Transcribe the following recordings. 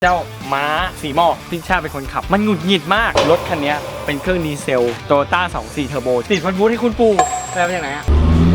เจ้าม้าสีหมอกพี่ชาเป็นคนขับมันหงุดหงิดมากรถคันนี้เป็นเครื่องดีเซลโตโยต้า24เทอร์โบติดวัดบูธให้คุณปู่ไปมาจากไหนอะ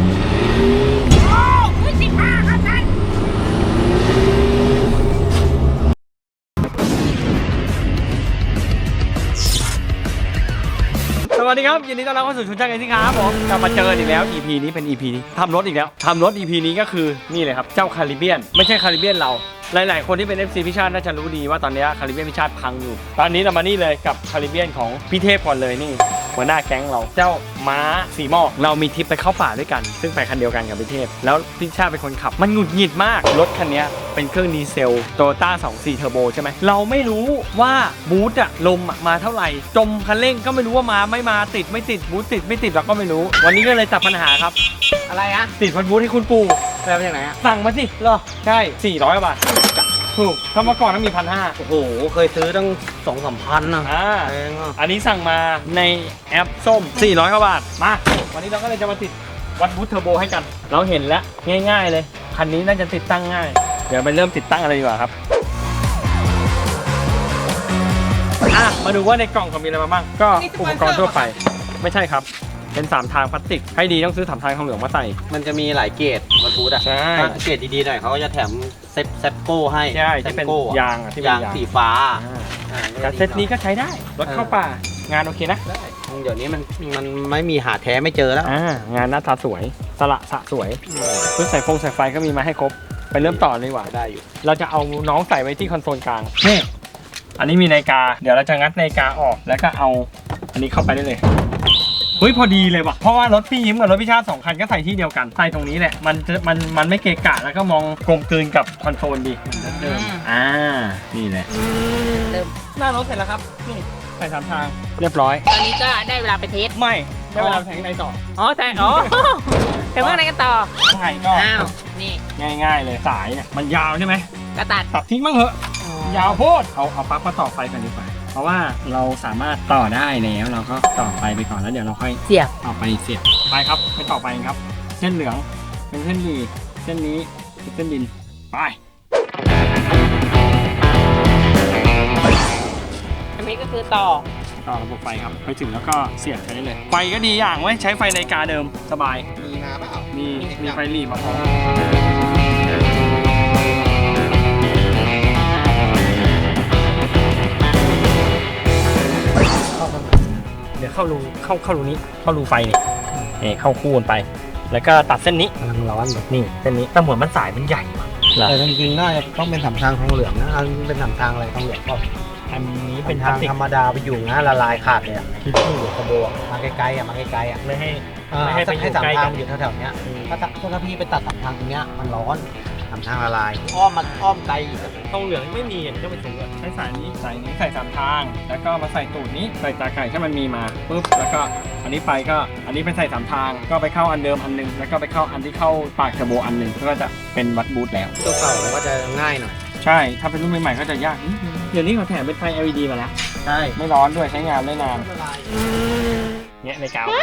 สวัสดีครับยินดีต้อนรับเข้าสู่ชุนช่างไอซิ่งครับผมกลับมาเจออีกแล้ว EP นี้เป็น EP นี้ทำรถอีกแล้วทำรถ EP นี้ก็คือนี่เลยครับเจ้าคาริเบียนไม่ใช่คาริเบียนเราหลายๆคนที่เป็น FC พิชาติน่าจะรู้ดีว่าตอนนี้คาริเบียนพิชาติพังอยู่ตอนนี้เรามานี่เลยกับคาริเบียนของพี่เทพก่อนเลยนี่หัวหน้าแก๊งเราเจ้าม้าสีหมอกเรามีทริปไปเข้าป่าด้วยกันซึ่งไปคันเดียวกันกับพี่เทพแล้วพี่ชาติเป็นคนขับมันหงุดหงิดมากรถคันนี้เป็นเครื่องดีเซลโตโยต้า24เทอร์โบใช่ไหมเราไม่รู้ว่าบูทอะลมมาเท่าไหร่จมคันเร่งก็ไม่รู้ว่ามาไม่มาติดไม่ติดบูทติดไม่ติดเราก็ไม่รู้วันนี้ก็เลยจับปัญหาครับอะไรอะติดวัดบูทให้คุณปู่ไปมาจากไหนอะสั่งมาสิเหรอใช่400 บาทถูกถ้าเมื่อก่อนต้องมี1,500 โอ้โหเคยซื้อตั้ง2-3 พันนะแพงอ่ะอันนี้สั่งมาในแอปส้ม400 บาทมาวันนี้เราก็เลยจะมาติดวัดบูทเทอร์โบให้กันเราเห็นแล้วง่ายๆเลยคันนี้น่าจะติดตั้งง่ายเดี๋ยวไปเริ่มติดตั้งอะไรดีกว่าครับมาดูว่าในกล่องเขามีอะไรมาบ้างก็อุปกรณ์ทั่วไปไม่ใช่ครับเป็น3ทางพลาสติกให้ดีต้องซื้อ3ทางทองเหลืองมาใส่มันจะมีหลายเกรดวัดบูธอ่ะใช่ถ้าเกรดดีๆหน่อยเขาก็จะแถมเซฟโก้ให้ใช่ที่เป็นยางที่เป็นยางสีฟ้าแต่เซตนี้ก็ใช้ได้รถเข้าป่างานโอเคนะเดี๋ยวนี้มันไม่มีหาแท้ไม่เจอแล้วงานหน้าตาสวยสละสะสวยชุดสายไฟก็มีมาให้ครบไปเริ่มต่อเลยดีกว่าได้อยู่เราจะเอาน้องใส่ไว้ที่คอนโซลกลางนี่อันนี้มีนาฬิกาเดี๋ยวเราจะงัดนาฬิกาออกแล้วก็เอาอันนี้เข้าไปได้เลยเฮ้ยพอดีเลยว่ะเพราะว่ารถพี่ยิ้มกับรถพี่ชาติ2 คันก็ใส่ที่เดียวกันใส่ตรงนี้แหละมันไม่เกะกะแล้วก็มองกลมกลืนกับคอนโซลดีเดิมนี่แหละเริ่มหน้ารถเสร็จแล้วครับนี่ใส่3 ทางเรียบร้อยตอนนี้ก็ได้เวลาไปเทสไม่ได้เวลาแทงในต่อแต่แต่ว่าอะไรกันต่อข้างในก็นี่ง่ายๆเลยสายเนี่ยมันยาวใช่ไหมก็ตัดทิ้งบ้างเหอะยาวโพดเอาปลั๊กมาต่อไฟกันดีกว่าเพราะว่าเราสามารถต่อได้แล้วเราก็ต่อไฟไปก่อนแล้วเดี๋ยวเราค่อยเสียบเอาไปเสียบไปครับไปต่อไปครับเส้นเหลืองเป็นเส้นดีเส้นนี้เป็นเส้นดินไปอันนี้ก็คือต่อระบบไฟครับไปถึงแล้วก็เสียบใช้ได้เลยไฟก็ดีอย่างไว้ใช้ไฟนาฬิกาเดิมสบายมีมาเปล่ามีไฟหลีมาพร้อมเดี๋ยวเข้ารูนี้เข้ารูไฟนี่เข้าคู่กันไปแล้วก็ตัดเส้นนี้กำลังร้อนนี่เส้นนี้แต่เหมือนมันสายมันใหญ่แต่จริงๆน่าจะต้องเป็น3 ทางทองเหลืองนะอันเป็น3 ทางอะไรทองเหลืองก็อันนี้เป็นทางธรรมดาไปอยู่นะละลายขาดเลยที่ตู้กระโบมาไกลๆมาไกลๆไม่ให้ 3 ทางอยู่แถวๆนี้ถ้าพี่ไปตัด3 ทางตรงเนี้ยมันร้อน3 ทางละลายอ้อมไกลอีกทองเหลืองไม่มีก็ไปซื้อใช้สายนี้ใส่3 ทางแล้วก็มาใส่ตูดนี้ใส่ตาไก่ถ้ามันมีมาปุ๊บแล้วก็อันนี้ไปก็อันนี้ไปใส่3 ทางก็ไปเข้าอันเดิมอันนึงแล้วก็ไปเข้าอันที่เข้าปากเทอร์โบอันนึงก็จะเป็นวัดบูทแล้วตัวเก่าก็จะง่ายหน่อยใช่ถ้าเป็นรุ่นใหม่ๆก็จะยากเดี๋ยวนี้เขาแถมเป็นไฟ LED มาแล้วใช่ไม่ร้อนด้วยใช้งานได้นานเนี่ยในกาว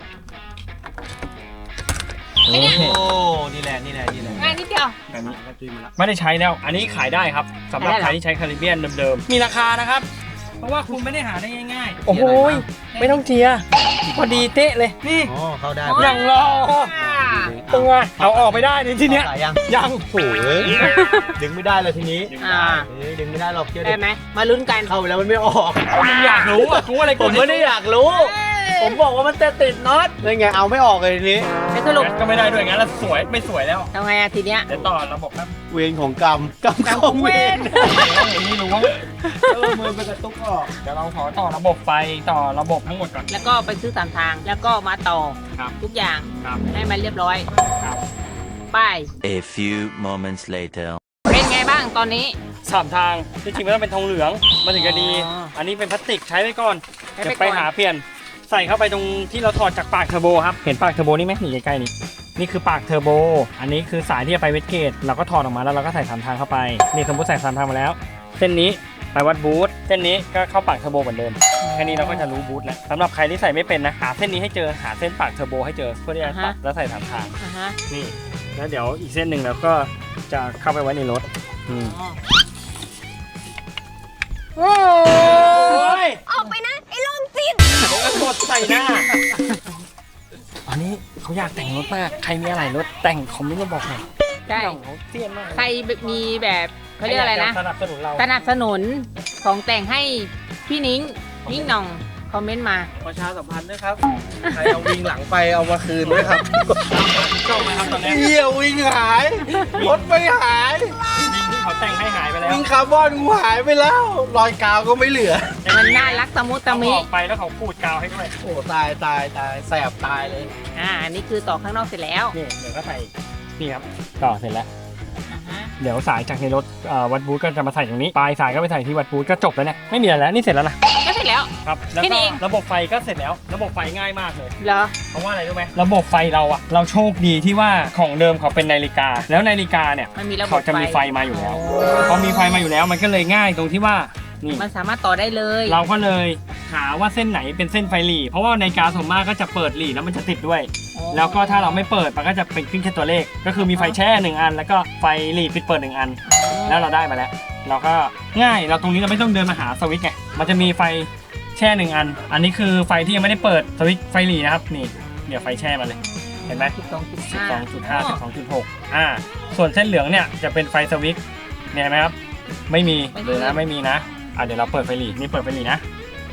โอ้นี่แหละง่ายนิดเดียวแบบนี้ไม่ได้ใช้แล้วอันนี้ขายได้ครับสำหรับใครที่ใช้คาริเบียนเดิมๆมีราคานะครับเพราะว่าคุณไม่ได้หาได้ง่ายๆโอ้โหไม่ต้องเจียพอดีเตะเลยนี่เข้าได้ยังรอตัวเอาออกไปได้ในที่เนี้ยยังโอ้ยดึงไม่ได้เลยทีนี้ดึงไม่ได้หรอกเชื่อได้ไหมมาลุ้นกันเข้าไปแล้วมันไม่ออกมึงอยากรู้อ่ะกูอะไรผมไม่ได้อยากรู้ผมบอกว่ามันจะติดน็อตเลยไงเอาไม่ออกเลยทีนี้สรุปก็ไม่ได้ด้วยงั้นแล้วสวยไม่สวยแล้วทำไงทีเนี้ยเดี๋ยวต่อระบบครับเวรของกรรมของเวรไม่รู้มือไปกระตุกออกเดี๋ยวเราขอต่อระบบไฟต่อระบบทั้งหมดก่อนแล้วก็ไปซื้อ3 ทางแล้วก็มาต่อทุกอย่างให้มันเรียบร้อยไป A few moments later เป็นไงบ้างตอนนี้ 3 ทางจริงๆมันต้องเป็นทองเหลืองมันถึงจะดีอันนี้เป็นพลาสติกใช้ไปก่อนเดี๋ยวไปหาเปลี่ยนใส่เข้าไปตรงที่เราถอดจากปากเทอร์โบครับเห็นปากเทอร์โบนี่ไหมนี่ใกล้ๆนี่คือปากเทอร์โบอันนี้คือสายที่จะไปเวทเกตเราก็ถอดออกมาแล้วเราก็ใส่3 ทางเข้าไปนี่สมมติใส่3 ทางมาแล้วเส้นนี้ไปวัดบูทเส้นนี้ก็เข้าปากเทอร์โบเหมือนเดิมแค่นี้เราก็จะรู้บูทแล้วสำหรับใครที่ใส่ไม่เป็นนะหาเส้นนี้ให้เจอหาเส้นปากเทอร์โบให้เจอเพื่อที่จะตัดแล้วใส่3 ทางนี่แล้วเดี๋ยวอีกเส้นหนึ่งเราก็จะเข้าไปไว้ในรถโอ้ยออกไปนะ ไอ้โรคจิตเดี๋ยวก็กดใส่หน้าอันนี้เขาอยากแต่งรถมากใครมีอะไรรถแต่งคอมเมนต์มาบอกหน่อยใช่เขาเซียนมากใครมีแบบเขาเรียกอะไรนะสนับสนุนเราสนับสนุนของแต่งให้พี่นิ้งหน่องคอมเมนต์มาประชาสัมพันธ์ด้วยครับ ใครเอาวิ่งหลังไปเอามาคืนด้วยครับชอบไหมครับตอนนี้เหี้ยวิ่งหาย รถไม่หายวิ่งที่เขาแต่งให้หายไปแล้ววิ่งคาร์บอนกูหายไปแล้ว รอยกาวก็ไม่เหลือมันน่ารักตะมุตะเขามิออกไปแล้วเขาพูดกาวให้ด้วยโอ้ตายแสบตายเลยอันนี้คือต่อข้างนอกเสร็จแล้วนี่เดี๋ยวก็ใส่นี่ครับต่อเสร็จแล้วอ่าฮะเดี๋ยวสายจากในรถวัดบูธก็จะมาใส่ตรงนี้ปลายสายก็ไปใส่ที่วัดบูธก็จบแล้วเนี่ยไม่มีอะไรแล้วนี่เสร็จแล้วนะก็เสร็จแล้วครับแล้วแค่ก็นี้เองระบบไฟก็เสร็จแล้ว ระบบไฟง่ายมากเลยเหรอเพราะว่าอะไรรู้ไหมระบบไฟเราอะเราโชคดีที่ว่าของเดิมเขาเป็นนาฬิกา แล้วนาฬิกาเนี่ยมันมีระบบเขาจะมีไฟมาอยู่แล้วพอมีไฟมาอยู่แล้วมันก็เลยง่ายตรงที่ว่านี่มันสามารถต่อได้เลยเราก็เลยหาว่าเส้นไหนเป็นเส้นไฟหลีเพราะว่านาฬิกาส่วนมากก็จะเปิดหลีแล้วมันจะติดด้วย แล้วก็ถ้าเราไม่เปิดมันก็จะเป็นขึ้นแค่ตัวเลข ก็คือมีไฟแช่1อัน แล้วก็ไฟหลีปิดเปิด1อัน แล้วเราได้มาแล้ว เราก็ง่ายเราตรงนี้เราไม่ต้องเดินมาหาสวิตช์ไงมันจะมีไฟแช่1อัน อันนี้คือไฟที่ยังไม่ได้เปิดสวิตช์ไฟหลีนะครับนี่เดี๋ยวไฟแช่มาเลย เห็นไหม 12.5 12.6 ส่วนเส้นเหลืองเนี่ยจะเป็นไฟสวิตช์เนี่ยเห็นไหมครับไม่มีเลยนะไม่มีนะเดี๋ยวเราเปิดไฟหลีนี่เปิดไฟหลีนะ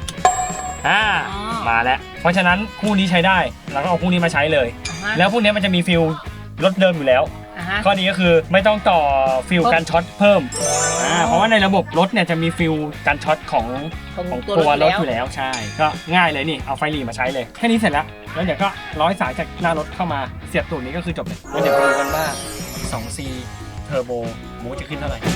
มาแล้วเพราะฉะนั้นคู่นี้ใช้ได้เราก็เอาคู่นี้มาใช้เลย แล้วพวกนี้มันจะมีฟิลรถเดิมอยู่แล้ว ข้อดีก็คือไม่ต้องต่อฟิลการช็อตเพิ่มเพราะว่าในระบบรถเนี่ยจะมีฟิลการช็อตของตัวรถอยู่แล้วใช่ก็ง่ายเลยนี่เอาไฟหลีมาใช้เลยแค่นี้เสร็จแล้วแล้วเดี๋ยวก็ร้อยสายจากหน้ารถเข้ามาเสียบตูดนี้ก็คือจบเลยแล้วเดี๋ยวไปดูกันว่า 2C เทอร์โบมูจะขึ้นเท่าไหร่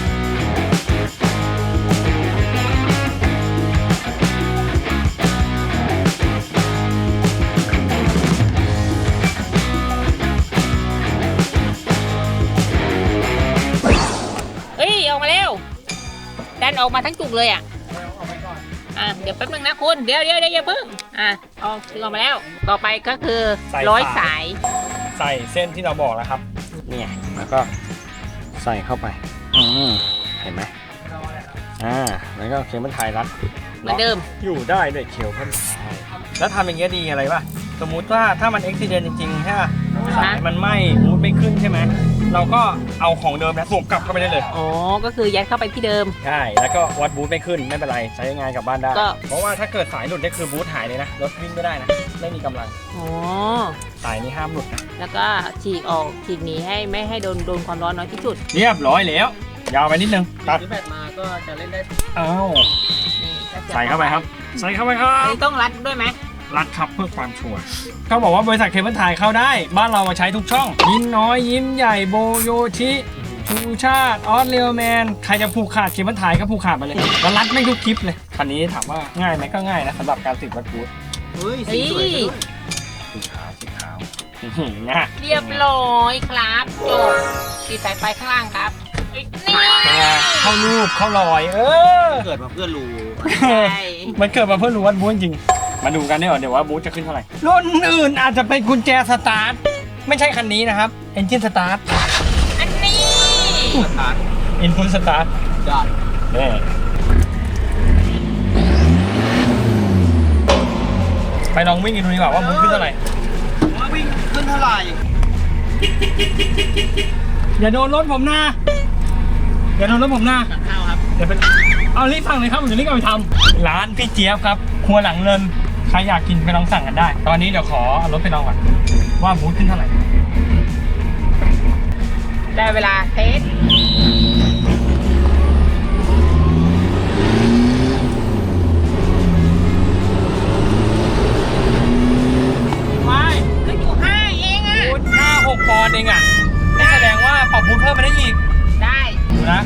เอ้ยออกมาเร็วดันออกมาทั้งจุกเลยเดี๋ยวแป๊บนึงนะคุณเดี๋ยวอย่าเพิ่งเอาถึงออกมาแล้ว ต่อไปก็คือใส่ร้อยสายสายใส่เส้นที่เราบอกแล้วครับเนี่ยแล้วก็ใส่เข้าไปเห็นไหมแล้วก็เคเบิลไทยรัดเหมือนเดิมอยู่ได้ด้วยเคเบิลไทยแล้วทำอย่างเงี้ยดีอะไรป่ะสมมุติว่าถ้ามันอุบิเหตุจริงๆใช่ป่ะสายมันไหม้มูดไม่ขึ้นใช่ไหมเราก็เอาของเดิมนะสวมกลับเข้าไปได้เลยอ๋อก็คือยัดเข้าไปที่เดิมใช่แล้วก็วัดบูทไม่ขึ้นไม่เป็นไรใช้งานกลับบ้านได้ก็เพราะว่าถ้าเกิดสายหลุดนี่คือบูทหายเลยนะรถวิ่งไม่ได้นะไม่มีกำลังอ๋อสายนี้ห้ามหลุดนะแล้วก็ฉีกออกฉีกหนีให้ไม่ให้โดนความร้อนน้อยที่สุดเรียบร้อยแล้วยาวไปนิดนึงตัดซื้อแบตมาก็จะเล่นได้นี่ก็จะใส่เข้าไปครับใส่เข้าไปครัอันบนี้ต้องรัดด้วยไหมรัดครับเพื่อความชัวร์เขาบอกว่าบริษัทเคเบิลไทยเข้าได้ บ้านเรามาใช้ทุกช่อง ยิ้มน้อยยิ้มใหญ่โบโยชิชูชาติออสเรียลแมนใครจะผูกขาดเคเบิลไทยก็ผูกขาดไปเลยแล้วรัดไม่ทุกคลิปเลยคันนี้ถามว่าง่ายไหมก็ง่ายนะสำหรับการติดวัดบูทเฮ้ยสีสวยด้วยสีขาวนะเรียบร้อยครับจบติดสายไฟข้างล่างครับนี่เข้ารูปเข้ารอยเกิดมาเพื่อรูใช่มันเกิดมาเพื่อรู้วัดบูทจริงมาดูกันเดี๋ยวว่าบูทจะขึ้นเท่าไหร่รุ่นอื่นอาจจะเป็นกุญแจสตาร์ทไม่ใช่คันนี้นะครับเอนจินสตาร์ทอันนี้สถานอินพุตสตาร์ทยอดไปลองวิ่งกันดูดีกว่าว่าบูทขึ้นเท่าไหร่วิ่งขึ้นเท่าไหร่อย่าโดนรถผมนะอย่าโดนรถผมนะข้าวครับเดี๋ยวไปเอารีบสั่งเลยครับผมจะรีบเอาไปทำร้านพี่เจี๊ยบครับครัวหลังเรินใครอยากกินไปลองสั่งกันได้ ตอนนี้เดี๋ยวขอเอารถไปลองก่อนว่าบูทขึ้นเท่าไหร่ได้เวลาเทสไม่ขึ้นอยู่5เองอ่ะบูท5-6 ปอนด์เองอ่ะนี่แสดงว่าปรับบูทเพิ่มมาได้อีกได้ดูนะ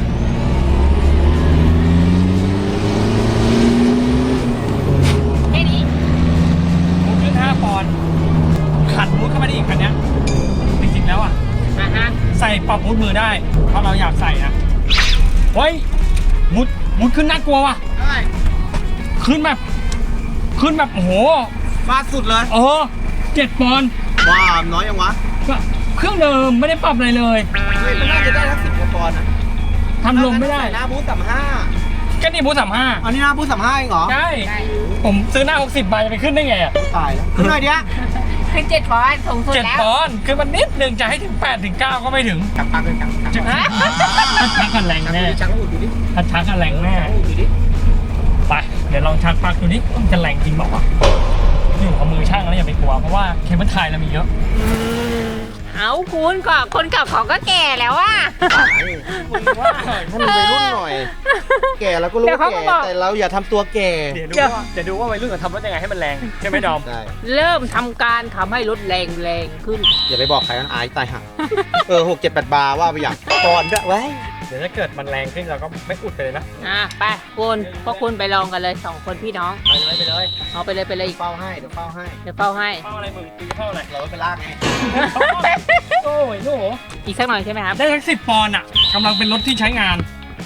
แค่นี้บูทขึ้น5 ปอนด์ขัดบูทเข้ามาได้อีกคันเนี้ยจริงๆแล้วอ่ะ ใส่ปรับบูทมือได้ถ้าเราอยากใส่นะเฮ้ยบูทขึ้นน่ากลัวว่ะได้ขึ้นแบบโอ้โหฟาดสุดเลย 7 ปอนด์ว้าวน้อยยังวะก็เครื่องเดิมไม่ได้ปรับอะไรเลยเฮ้ยมันน่าจะได้ทั้ง10 กว่าปอนด์นะทำลมไม่ได้ใส่หน้าบูธ35 ก็นี่บูธ35 อันนี้นะพูด35เองเหรอใช่ ผมซื้อหน้า60ใบจะไปขึ้นได้ไงอ่ะตายแล้วขึ้นหน่อยเดียวขึ้น7 ปอนด์สูงสุดเจ็ดแล้วปอนด์คือมันนิดนึงจะให้ถึง8 ถึง 9 ก็ไม่ถึงจับปากเลยจับชักกันแรงแน่ชักแล้วอุดดูดิถ้าชักกันแรงแน่อุดดูดิไปเดี๋ยวลองชักปลักดูนี่มันจะแรงจริงบอกว่าวะอยู่กับมือช่างแล้วอย่าไปกลัวเพราะว่าเคเบิลไทยเรามีเยอะเอาคุณก็คนเก่าเขาก็แก่แล้วอ่ะให้มันวัยรุ่นหน่อย แก่แล้วก็รู้เดี๋ยวว่าเขาก็แก่บอกแต่เราอย่าทำตัวแก่เดี๋ยวดูว่าวัยรุ่นเขาทำรถยังไงให้มันแรงใช่ไหมดอมได้เริ่มทำการทำให้รถแรงขึ้นอย่าไปบอกใครมันอายตายห่า6 7 8 บาร์ว่าไปอย่างก่อนด้วยไว้เดี๋ยวถ้าเกิดมันแรงขึ้นเราก็ไม่อุดไปเลยนะไปคุณพวกคุณไปลองกันเลย2 คนพี่น้องไปเลยเอาไปเลยอีกเฝ้าให้เดี๋ยวเฝ้าให้เดี๋ยวเฝ้าให้เข้าอะไรมึงตีเข้าอะไรเราไปลากไงโอ้ยโอ้โหอีกสักหน่อยใช่ไหมครับได้ทั้ง10 ปอนด์อ่ะกำลังเป็นรถที่ใช้งาน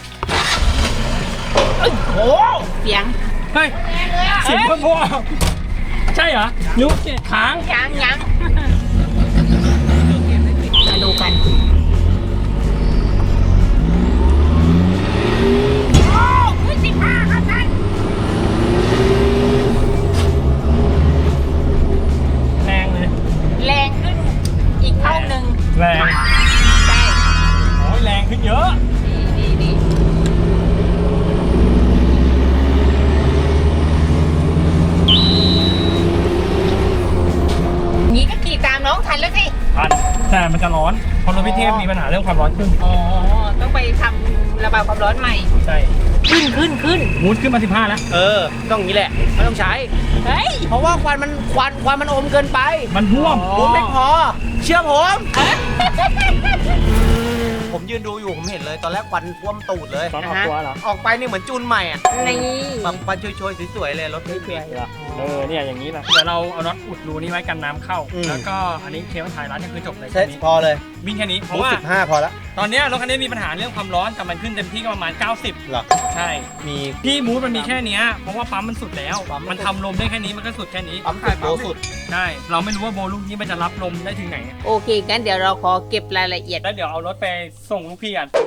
โอ้เสียงเฮ้ยเสียงเพิ่มพอใช่เหรอนิ้วเกตค้างยังมาดูกัน15ครับท่านแรงเลยแรงขึ้นอีกเท่านึงแรงใช่โอ้ยแรงขึ้นเยอะดีงี้ก็ขี่ตามน้องทันแล้วสิทันแต่มันจะร้อนเพราะรถพี่เทพมีปัญหาเรื่องความร้อนขึ้นอ๋อ ต้องไปทำระบายความร้อนใหม่ใช่ขึ้นมูดขึ้นมา15แล้วต้องอย่างนี้แหละไม่ต้องใช้เฮ้ยเพราะว่าควันมันอมเกินไปมันท่วมผมไม่พอ เชื่อผม ผมยืนดูอยู่ผมเห็นเลย ตอนแรกควันท่วมตูดเลยตอนออกตัวเหรอออกไปนี่เหมือนจูนใหม่อ่ะนี่แบบควันโชยๆสวยๆเลยรถพี่เพียเนี่ยอย่างนี้นะเดี๋ยวเราเอาน็อตอุดรูนี้ไว้กันน้ำเข้าอืมแล้วก็อันนี้เคเบิลไทยร้านนี่คือจบเลยเซ็ตแค่นี้พอเลยวิ่งแค่นี้เพบูราะว่า 15พอแล้วตอนเนี้ยรถคันนี้มีปัญหาเรื่องความร้อนแต่มันขึ้นเต็มที่ก็ประมาณ 90 เหรอใช่มีที่มูดมันมีแค่เนี้ยเพราะว่าปั๊มมันสุดแล้วปั๊มมันมันทำลมได้แค่นี้มันก็สุดแค่นี้ปั๊มสุดโบสุดใช่เราไม่รู้ว่าโบลูกนี้มันจะรับลมได้ถึงไหนโอเคงั้นเดี๋ยวเราขอเก็บรายละเอียดแล้วเดี๋ยวเอารถไปส่งลูกพี่กัน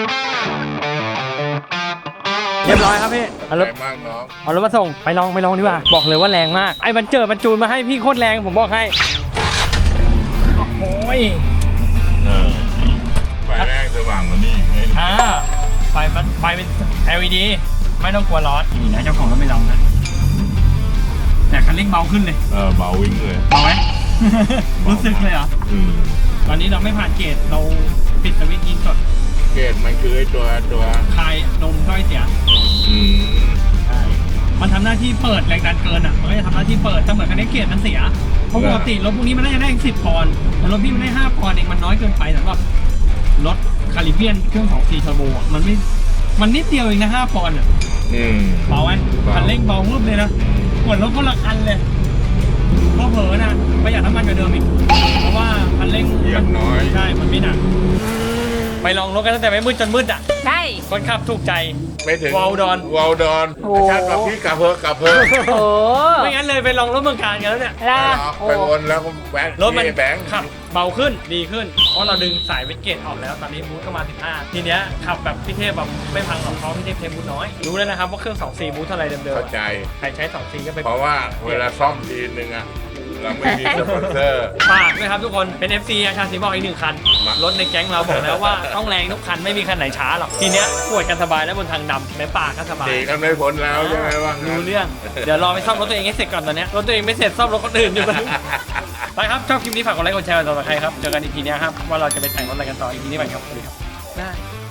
เรียบร้อยครับพี่เอารถมากน้องเอารถมาส่งไปลองดีกว่าบอกเลยว่าแรงมากไอ้บันเจอมันจูนมาให้พี่โคตรแรงผมบอกให้โอ้ยไฟแรกสว่างกว่านี้อีกไงไฟเป็น LED ไม่ต้องกลัวร้อนนี่นะเจ้าของรถไม่ลองนะแต่คันเร่งเบาขึ้นเลยเบาวิ่งเลยเบาไหม รู้สึกเลยเหรออืมตอนนี้เราไม่ผ่านเกตเราปิดสวิตช์ยิงสดเกตมันคือไอ้ตัวคลายลมด้อยเสียอืมใช่มันทำหน้าที่เปิดแรงดันเกินอ่ะมันก็จะทำหน้าที่เปิดแต่เหมือนคันนี้เกตมันเสียเพราะปกติรถพวกนี้มันน่าจะได้10 ปอนด์แต่รถพี่มันได้5 ปอนด์เองมันน้อยเกินไปสำหรับรถคาริเบียนเครื่อง2 4เทอร์โบอ่ะมันนิดเดียวเองนะ5 ปอนด์อ่ะอืมเบาไหมเบาคันเร่งเบาวุบเลยนะเหมือนรถคนละคันเลยเพราะเผลอนะประหยัดน้ำมันกว่าเดิมอีกเพราะว่าคันเร่งเหยียบน้อยใช่มันไม่หนักไปลองรถกันตั้งแต่ไม่มืดจนมืดอ่ะใช่คนขับถูกใจไม่ถึงวอลดอนวอลดอนโอ้ชาติกับพี่กลับเพอกลับเพอโอ้ไม่งั้นเลยไปลองรถเมืองการกันแล้วเนี่ยล่ะไปวนแล้วก็แวะรถมันที่แบงค์ขับเบาขึ้นดีขึ้น เพราะเราดึงสายเวทเกตออกแล้วตอนนี้บูทก็มา15ทีเนี้ยขับแบบพี่เทพแบบไม่พังหรอกเพราะพี่เทพเทบูทน้อยรู้แล้วนะครับว่าเครื่อง2 4บูทเท่าไรเดิมเข้าใจๆใครใช้2 4ก็ไปเพราะว่าเวลาซ่อมทีนึงอะเราไม่มีสปอนเซอร์ฝากด้วยครับทุกคนเป็น FC อาชาสีบอกอีก1 คัน รถในแก๊งเราบอกแล้วว่าต้องแรงทุกคันไม่มีคันไหนช้าหรอกทีเนี้ยปวดกันสบายแล้วบนทางดำในป่าก็สบายหนีกันไม่พ้นแล้วใช่ไหมว่างั้นรู้เรื่อง เดี๋ยวรอไปซ่อมรถตัวเองให้เสร็จก่อนตอนเนี้ยรถตัวเองไม่เสร็จซ่อมรถคนอื่นอยู่กัน ไปครับชอบคลิปนี้ฝากกดไลค์กดแชร์กดติดตามใครครับเจอกันอีพีนี้ยครับว่าเราจะไปแต่งรถอะไรกันต่ออีพีนี้ไปครับสวัสดีครับ